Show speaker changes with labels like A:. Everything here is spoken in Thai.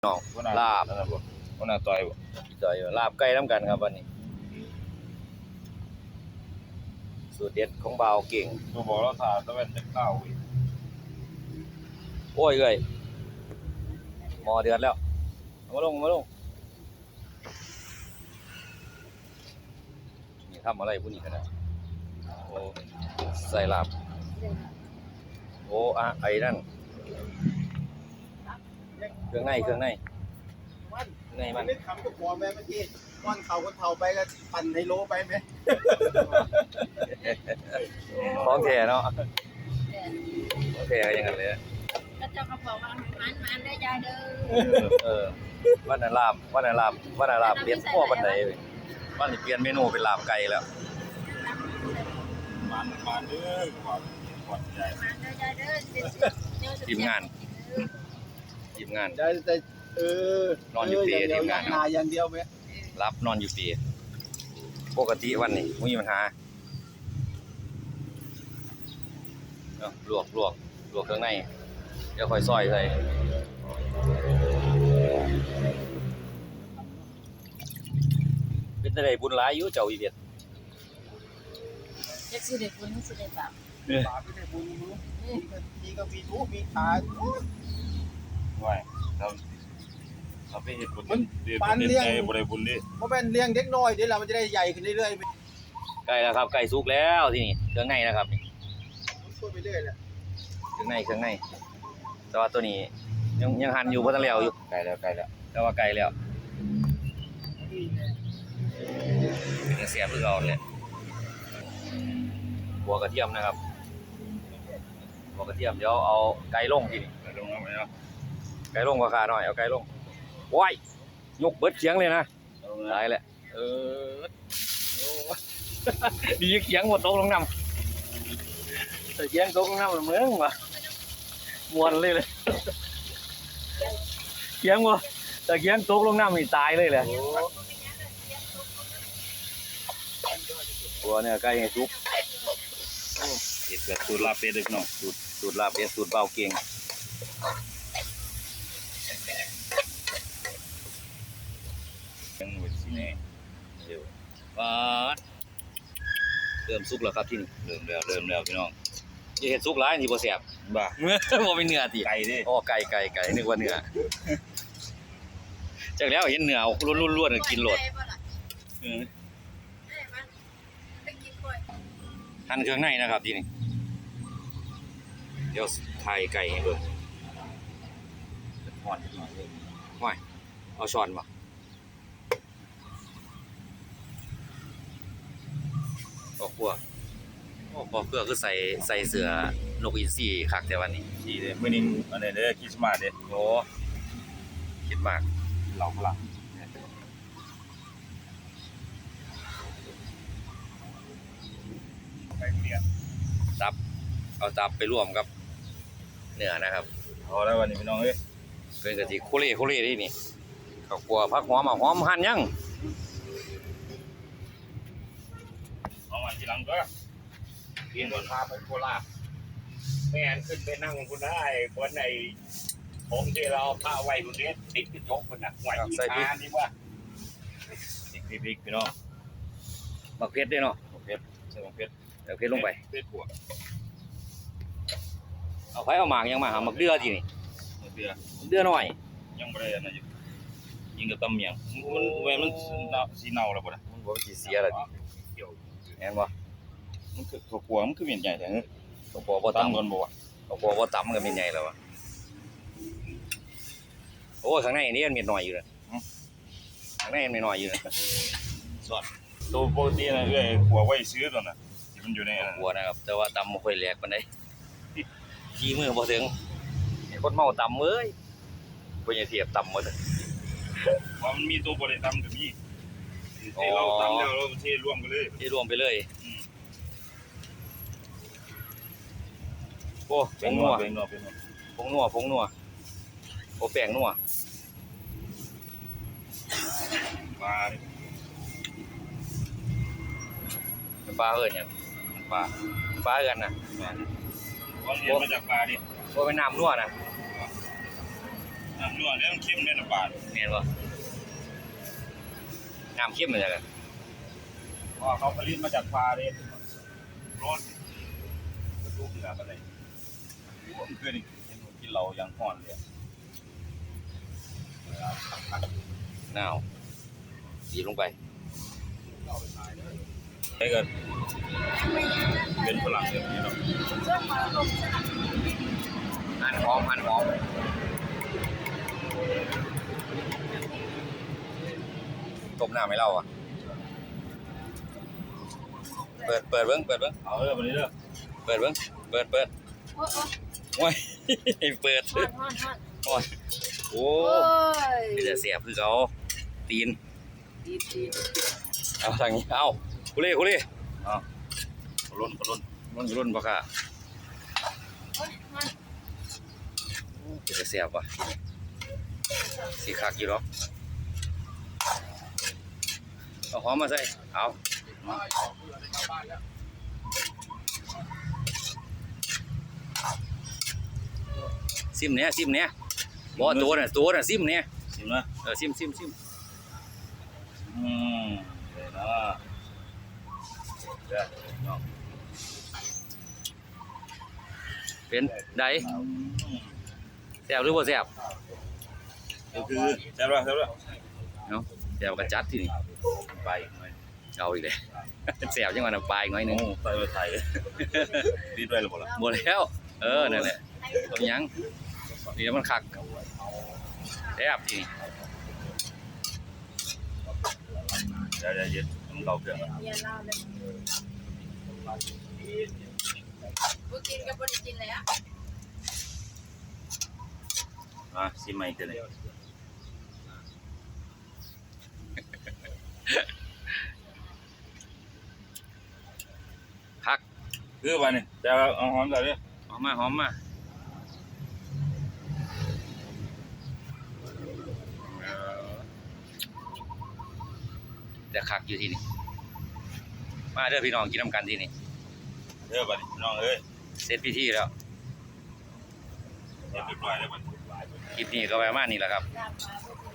A: น้องลาบ
B: คนน่ะต่อยบ่
A: จอยลาบไก่น้ำกันครับวันนี้สูตรเด็ดของบ่าวเก่ง
B: ตัวบอกเราถ่าตะเวนจะเข้าอีก
A: โอ้ยเอ้ยหม้อเดือดแล้วมาลงนี่ทำอะไรพวกนี้กันนะโอ้ใส่ลาบโอ้อะไอ้นั่นเครื่องในมัน
C: นึกคำก็พอแม่เมื่อกี้ก้อนเขาคนเท่าไปก็ปั่นไฮโลไปไหม
A: ของแท้เนาะของแท้ก็อยังงั้นเลย
D: ก็เจ้าก็บอกว่ามันได้ยายเด้อ
A: วันนั้นลาบเปลี่ยนพ่อบันไดเลยวันนี้เปลี่ยนเมนูเป็นลาบไก่แล้ว
B: มันเด้อก่อนใหญ่
D: มันได้ยายเด้อ
A: ทีมงาน
C: แต่
A: นอนอยู่เตียทีมงาน
C: นาอย่างเดียวไหม
A: รับนอนอยู่ปีปกติวันนี้ไม่มีปัญหาเนาะลวกเครื่องในเดี๋ยวค่อยซอยใส่เป็นอะไรบุญหลายอยู่เจ้าอีเวียด
D: เด็กสิเด็กบุญสิเด็กบาป
C: ปากไม่ได้บุญรู้มีก็มีทุกมีขา
B: ไหวเราไปเฮ็ดบุญเดี๋ยว
C: ปานเลี้ยง
B: บ่ได้บุญดิ
C: เพราะเป็นเลี้ยงเด็กน้อยเดี๋ยวเรามันจะได้ใหญ่ขึ้นเรื่อยๆ
A: ไก่แล้วครับไก่สุกแล้วที่นี่เครื่องในนะครับนี่
C: ช่วยไปเรื่อยแหละ
A: เครื่องในแต่ว่าตัวนี้ยังหั่นอยู่เพราะต้องเลี้ยวอยู่
B: ไกลแล้ว
A: แต่ว่าไก่แล้วเป็นเสียบเพื่อเอาเลยหัวกระเทียมนะครับหัวกระเทียมเดี๋ยวเอาไก่ลงทีนี้
B: ลงแล้วไหมเนาะ
A: ไก่ลงกว่าขาหน่อยเอาไก่ลงว้ายยกเบิดเขียงเลยนะ
B: ลง
A: ตายแหละดีเขียงหมดตกลงน้ำแต่เขียงตกลงน้ำละเมืองว่ะมวนเลยเขียงว่ะแต่เขียงตกลงน้ำนี่ตายเลยแหละตัวเนี่ยไก่ไงซุป
B: เฮ็ดแบบสูตรลาบเป็ดเด้อพี่น้อง
A: สูตรลาบเป็ดสูตรเบาเก่ง
B: ยังไว้สิแน่
A: เดี๋ยวเริ่มสุกแล้วครับที่นี่
B: เริ่มแล้วพี่น้อง
A: อย่าเห็ดสุกร้ายนี่บ่แซ่บ
B: บ้า
A: บ่เป็นเนื้อติ
B: ไก่ดิ
A: อ๋อไก่นึกว่าเนื้อจากแล้วเห็นเนื้อล้วนๆกินโลด
B: เออ
A: หั่นเครื่องในนะครับที่นี่เดี๋ยวถ่ายไก่ให้เบิ่ง
B: อ่อนนิดหน่อยเลย
A: ว้ายเอาช้อนบ่พอครัวพอเพื่อคือใส่เสื้อนกอินทรีคักแต่วันนี้
B: สิเด้อมื้อนี้อันนี้เด้อคริสต์มาสเด้อ
A: โอ้คิดมาก
B: เหล่าพลังไปเรียน
A: เอาตับไปร่วมกับเนื้อนะครับ
B: เอาแล้ววันนี้พี่น้องเอ้ย
A: เป็นกะทิโคเล่ที่นี่ข้าวคั่วผักหอมหอมหั่นยัง
B: เอามาทีหลังก็เรียนก่อนพาไปโคราช
E: แม่นขึ้นไปนั่งคุณได้คนในผมที่เราพาไว้คนนี้ติดกระจกคนน่ะไหวอีกานี่ว่า
B: พริกพี่น้อง
A: บักเผ็ดด้วยเนาะ
B: โอเคใส่ของเพชร
A: เอาเผ็ดลงไป
B: เพชรบวก
A: เอาไฟเอาหมากยังมาหาหมักเดือทีนี่
B: เดือ
A: เดือหน่อย
B: ยังไม่ได้อันนั้นอยู่ยิงกับตำเมียงมันเวลมันสีเนาแล้วบ่ล่ะ
A: มันบ่สิเสียละติ
B: เกี่ยว
A: แม่นบ่
B: มันคือถั่วกลัวมันคือเมียนใหญ่แต่เฮ้ย
A: ข้าวคั่วบ่
B: ตำ
A: ตำ
B: ก่อนบ่วะ
A: ข้าวคั่วบ่ตำก็เป็นใหญ่แล้วอะโอ้ข้างในนี่มันมีน้อยอยู่นะข้างในมันมีน้อยอยู่นะ
B: สอดตัวปกตินะเอ้ยขัวไว้ซื้อตัวน่ะที่มันอยู่ในนั้น
A: คั่วนะครับแต่ว่าตำบ่ค่อยแหลกปานใดขี้มือบ่ถึงไอ้คนเมาตำเอ้ยบ่อย่าเทียบตำหมด
B: ว่ามันมีตัวบ่ได้ตำก็มีที่เราตำแล้วเราเทรวมกันเลย
A: ที่รวมไปเลยโอ้
B: เป็
A: ผ
B: น
A: ง
B: นั
A: นั
B: ว
A: ว
B: เป็นนัวเป็นนัว
A: ผงนัวโอ้แป้งนัว
B: ปลา
A: เป็นปลาเอิ้นหยังปลาเอิ้นน่ะ
B: วันเรียนมาจากปลาดิ
A: บ่เป็นน้ำนัวน่ะ
B: อน้ำนัวเนี่ยมันเข้มเนี่ยน้ำปลา
A: เห็นบ่น้ำเข้มเลยกัน
B: เพราะเขาผลิตมาจากปลาเลยร้อนกระดูกเหนือกันเลยผมเคยกินเรายังห่อนเลย
A: หนาวดีลงไป
B: ไอ้กันเป็นฝรั่งแบบนี้เนาะ
D: ช่วงมาลงสนาม
A: หั่นหอมต้มน้ำให้เราอ่ะเปิดเบิ้ง
B: เอาเลยวันนี้เด้อ
A: เปิด
D: โอ้ย
A: โอ้ยเปิด
D: ฮอน
A: โอ้ยโอ้
D: โอ้ย
A: ยจะเสียบคือเขาตีน
D: ดี
A: เอาทางนี้เอาคุเล่เอาล้นปะค่ะ
D: โอ้ยฮอน
A: จะเสียบว่ะสีคักอยู่หรอกเอาหอมมาใส่เอาซิมเนี้ยบ่ตัวน่ะซิมเนี้ย
B: ชิมนะ
A: ซิม
B: เลยนะเด้อเนาะ
A: เป็นไดแซ่บหรือบ่แซ่บ
B: ก็คือแซ่บแล้ว
A: เนาะแซ่บกระจัดที่นี่
B: ไปหน่อย
A: เอาอีกเลยแซ่บจังหวะน้ำปลาอีกหน่อยหนึง
B: โอ้ใส่ไทยดีด้วยหรือเปล่า
A: หมดแล้วนั่นแหละเอาหยังนี่มันคักแซ่บที่นี่
B: เดี๋ยวเย็นมันเราเกลือ
D: เมียเล่าเลยบ่กินกับบ่ได้กินแล้ว
B: มาชิมใหม่กันเลย
A: คัก
B: คือไปนี่จะเอาหอมใส่ดิ
A: หอมมาแต่คักอยู่ที่นี่มาเด้อพี่น้องกินน้ำกันที่นี่
B: เด้อไปนี่น้องเอ้ย
A: เสร็จพิธีแล้ว
B: เรียบร้อยแล้วมัน
A: คลิปนี้ก็ประมาณนี้แหละครับ
D: ตามมาบ่